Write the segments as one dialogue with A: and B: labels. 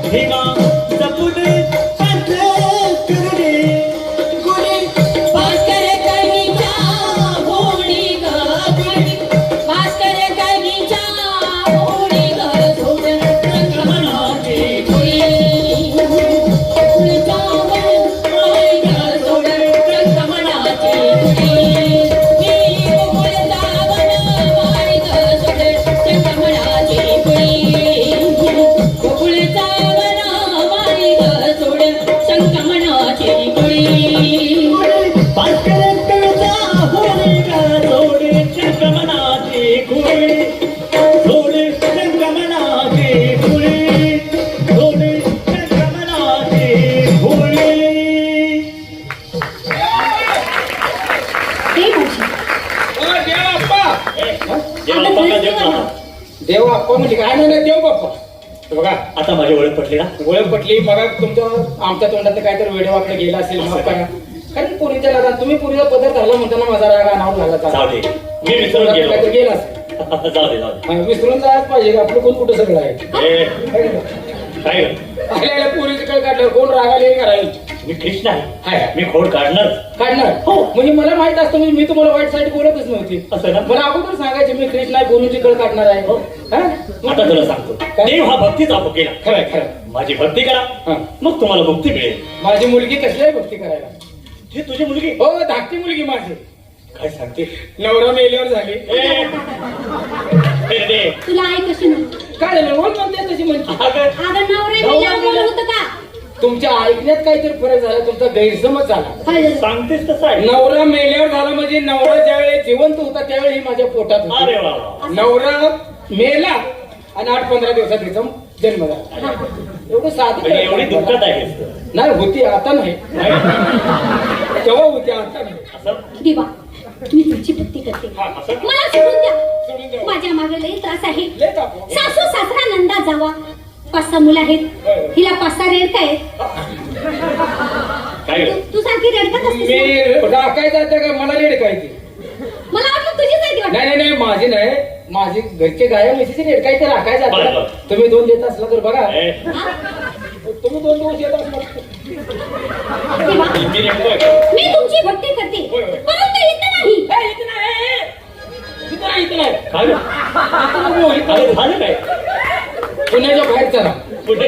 A: ठेवा जपून पात्र करुणे गुणे
B: भास्कर कवीच्या होडी ग गुणी भास्कर कवीच्या होडी ग सोडून संगमनाचे गुणी फुलचा होडी ग सोडून संगमनाचे गुणी फुलचा होडी ग सोडून संगमनाचे गुणी फुलचा होडी ग सोडून संगमनाचे गुणी
A: भास्कर कवीच्या होडी ग सोडे संगमनाचे गुणे सोडे संगमनाचे गुणे सोडे संगमनाचे गुणे
B: ते भाषा
C: देव बाप्पा म्हणजे काय नाही देव बाप्पा बघा
A: आता माझी ओळख पटली ना
C: ओळख पटली बघा तुमच्या आमच्या तोंडात काहीतरी वेडेवाकडे गेला असेल माफ करा कारण पोरीच्या लग्नात तुम्ही पोरीचा पदर घाला म्हणताना माझा राग अनावर झाला
A: जाऊ दे मी विसरून गेलो
C: काहीतरी गेला असेल
A: जाऊ दे जाऊ दे
C: हा, विसरून जायच पाहिजे का आपलं कोण कुठं सगळं आहे
A: ए,
C: है का?
A: काय ग?
C: आलेल्या पोरीचं काय काढलं कोण रागाले करायला
A: मी कृष्ण आहे
C: हाय.
A: मी खोड काढणार
C: काढणार
A: हो.
C: म्हणजे मला माहित असतं मी तुम्हाला वाईट साईड बोलतच नव्हती
A: असं ना
C: मला अगोदर सांगायचे मी कृष्ण आहे पोरीची कळ काढणार आहे
A: हो.
C: हा?
A: आता तुला सांगतो
C: काय?
A: देव हा भक्तीचा केला
C: खरंय खरं
A: माझी भक्ती करा
C: हा.
A: मग तुम्हाला मुक्ती मिळेल
C: माझी मुलगी कसल्याही गोष्टी करायला
A: ही तुझी मुलगी
C: हो धाकटी मुलगी माझी
A: काय सांगते
C: नवरा मेल्यावर झाली
A: ए, ए, रे.
B: तुला आई कशी म्हणते
C: काय झालं रोज म्हणते तशी म्हणते
A: अगं,
B: अगं नवरे मेल्यावर बोल होतं का
C: तुमच्या ऐकण्यात काहीतरी फरक झाला तुमचा गैरसमज झाला
B: काय झालं
A: सांगतेस तसं आहे
C: नवरा मेल्यावर झाला म्हणजे नवरा ज्यावेळी जिवंत होता त्यावेळी माझ्या पोटात होती.
A: अरे वा वा.
C: नवरा मेला आणि 8-15 दिवसात तिचा जन्म झाला एवढं साधं
A: म्हणजे एवढी
C: काय?
A: दुःखात आहेस
C: नाही होती आता नाही तेव्हा होती आता नाही
A: असं
B: देवा मी तुमची भक्ती करते
A: हा, असं
B: मला सोडून द्या
C: सोडून द्या.
B: माझ्या मागे लई त्रास आहे
C: लय ताप.
B: सासू सासरा नंदा जावा 5-6 मुलं आहेत हिला 5-6 रेडका आहेत
A: काय ग?
B: तू सारखी रेडकत असतेस
C: मी
B: ना?
C: राखाय जाते का मला रेड काय ती
B: मला वाटलं तुझीच आहे ती वाटतं.
C: नाही नाही नाही माझी नाही माझी घरचे गाया म्हशीची रेड काय ते राखाय
A: बरं,
C: जाते
A: बरं.
C: तुम्ही 2 देत असला तर बघा
A: ए,
B: हा?
C: तुम्ही 2 दिवस येत असला
B: देवा
A: मी नेमकं
B: मी तुमची भक्ती करते
C: होय, होय.
B: परंतु इथं नाही
C: इथं नाही इथं नाही
A: काय ग?
C: इथं नको, इथं
A: अरे झालं काय
C: पुण्याच्या बाहेर चला
A: पुढे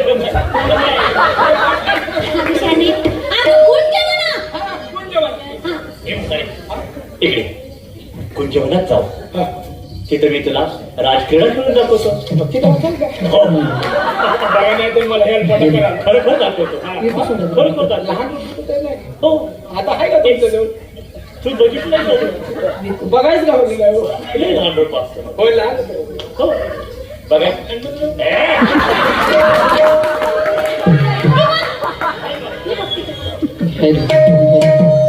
B: हा विषयाने अगं गुण केलं ना हा.
A: इकडे कुंजवनात जाऊ
C: हा.
A: तिथं मी तुला राजक्रीडा खेळून दाखवतो
C: नक्की दाखवाल का?
A: हो.
C: बघा नाही तर मला हेल्प करा
A: खरोखर दाखवतो
C: इथं सोडा.
A: खरोखर दाखवतो
C: लहान मुलं तर नाही.
A: हो
C: आता आहे का तुमचं जवळ
A: तू बघितलं का?
C: बघायच का बघितलं आहे?
A: लय लहान डोकं असतं.
C: होय लहान होतं.
A: हो बघा ए,
C: आहे.